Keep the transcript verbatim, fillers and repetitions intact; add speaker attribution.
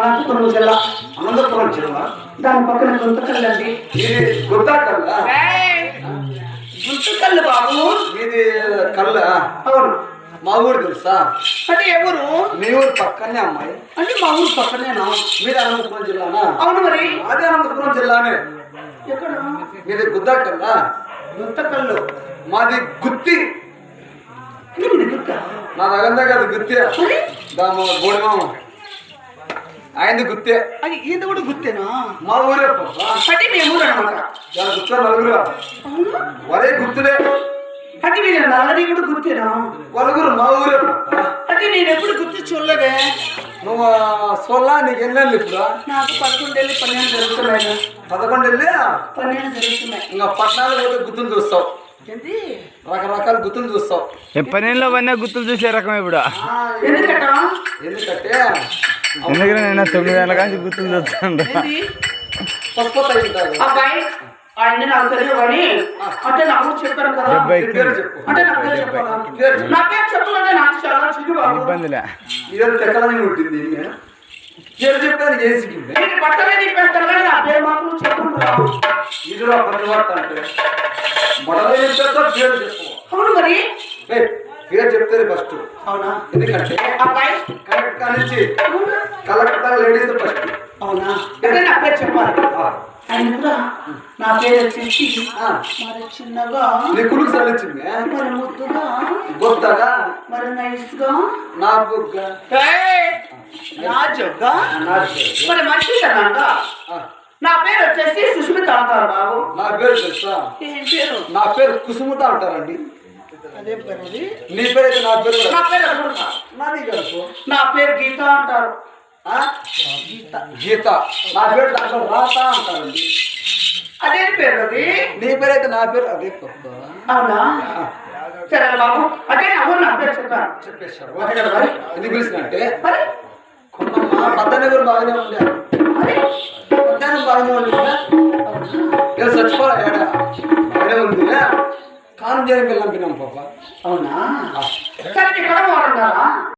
Speaker 1: అనంతపురం జిల్లా.
Speaker 2: అనంతపురం జిల్లా.
Speaker 1: దాని పక్కన గుంతకల్లండి.
Speaker 2: ఇది గుంతకల్ల.
Speaker 1: గుంతకల్లు బాబు.
Speaker 2: ఇది కల్ల.
Speaker 1: అవును.
Speaker 2: మా ఊరు తెలుసా?
Speaker 1: అంటే ఎవరు?
Speaker 2: మీ ఊరు పక్కనే అమ్మాయి.
Speaker 1: అంటే మా ఊరు పక్కనేనా?
Speaker 2: మీరు అనంతపురం జిల్లానా?
Speaker 1: అవును. మరి
Speaker 2: అదే అనంతపురం జిల్లానే.
Speaker 1: ఎక్కడ?
Speaker 2: మీది గుంతకల్ల.
Speaker 1: గుంతకల్లు.
Speaker 2: మాది గుత్తి. నా దగ్గర కాదు గుత్తి. దామ బోడిమామ ఆయనది గుత్తే.
Speaker 1: అది ఈయన కూడా గుత్తేనా?
Speaker 2: మా ఊరే.
Speaker 1: అంటే మేము ఊరు అనమాట.
Speaker 2: దాని గుత్త నలుగురు. వరే గుర్తులే.
Speaker 1: అంటే మీరు నల్లది కూడా గుర్తేనా?
Speaker 2: నలుగురు మా ఊరే.
Speaker 1: అంటే నేను ఎప్పుడు గుర్తు చూడలేదే.
Speaker 2: నువ్వు సోల్లా నీకు ఎన్ని వెళ్ళి ఇప్పుడు?
Speaker 1: నాకు పదకొండు వెళ్ళి పన్నెండు జరుగుతున్నాయి.
Speaker 2: పదకొండు వెళ్ళి
Speaker 1: పన్నెండు జరుగుతున్నాయి.
Speaker 2: ఇంకా పట్టణాలు పోతే గుర్తులు చూస్తావు.
Speaker 1: ఏంటి?
Speaker 2: రకరకాల గుర్తులు చూస్తావు.
Speaker 3: పన్నెండులో పడినా గుర్తులు చూసే రకం ఇప్పుడు.
Speaker 1: ఎందుకట?
Speaker 2: ఎందుకంటే
Speaker 3: ఎందుకంటే నేను తొమ్మిది ఏళ్ళ కానీ గుర్తులు చూస్తాను.
Speaker 1: అబ్బాయి ఆయన నాకు తెలియదు కానీ అంటే నాకు చెప్పాను కదా. అంటే నా పేరు చెప్పాలా? నా పేరు చెప్పాలంటే నాకు చాలా చిగురు
Speaker 3: ఇబ్బందిలే.
Speaker 2: ఇదంతా ఎక్కడని ఉంటుంది. పేరు చెప్పడానికి ఏం సిగ్గింది?
Speaker 1: బట్టలే తిప్పేస్తారు కానీ నా పేరు మాత్రం చెప్పుకుంటున్నా.
Speaker 2: ఇదిలో పనివార్త అంటే మొదలై చెప్తా పేరు చెప్పు.
Speaker 1: అవును. మరి
Speaker 2: పేరు చెప్తారు ఫస్ట్.
Speaker 1: అవునా?
Speaker 2: ఎందుకంటే
Speaker 1: అబ్బాయి
Speaker 2: కలెక్టర్ కానించి కలెక్టర్ లేడీస్ ఫస్ట్.
Speaker 1: అవునా? అంటే నా పేరు చెప్పాలి. ఆయన కూడా నా పేరు వచ్చేసి మరి చిన్నగా,
Speaker 2: నీ కుడుకు సలించింది,
Speaker 1: మరి ముద్దుగా,
Speaker 2: గొప్పగా,
Speaker 1: మరి నైస్ గా,
Speaker 2: నాకు
Speaker 1: నాజుగా, మరి మంచిదనంగా. నా పేరు వచ్చేసి సుష్మిత అంటారు బాబు.
Speaker 2: నా పేరు తెలుసా?
Speaker 1: ఏం పేరు?
Speaker 2: నా పేరు కుసుముత అంటారండి.
Speaker 1: అదే పేరు.
Speaker 2: నీ పేరు అయితే నా పేరు
Speaker 1: నా పేరు
Speaker 2: నాది తెలుసు.
Speaker 1: నా పేరు గీత అంటారు.
Speaker 2: గీత. గీత. నా పేరు దాంట్లో రాత అంటారండి.
Speaker 1: అదే పేరు అది.
Speaker 2: నీ పేరు అయితే నా పేరు అదే తప్ప.
Speaker 1: అవునా? సరే బాబు. అంటే అవును నా పేరు చెప్పాను.
Speaker 2: చెప్పేశారు.
Speaker 1: మరి
Speaker 2: ఎందుకు పిలిచినంటే
Speaker 1: మరి
Speaker 2: కొన్నమ్మా పద్దెనిమిది కూడా బాగానే ఉండే. పద్దెనిమిది బాగానే ఉంది కదా. నేను చచ్చిపోలే ఏడా బాగానే ఉంది. కాను చేయడం పిల్లం పిన్నాం పాప.
Speaker 1: అవునా? సరే ఇక్కడ వాడున్నారా?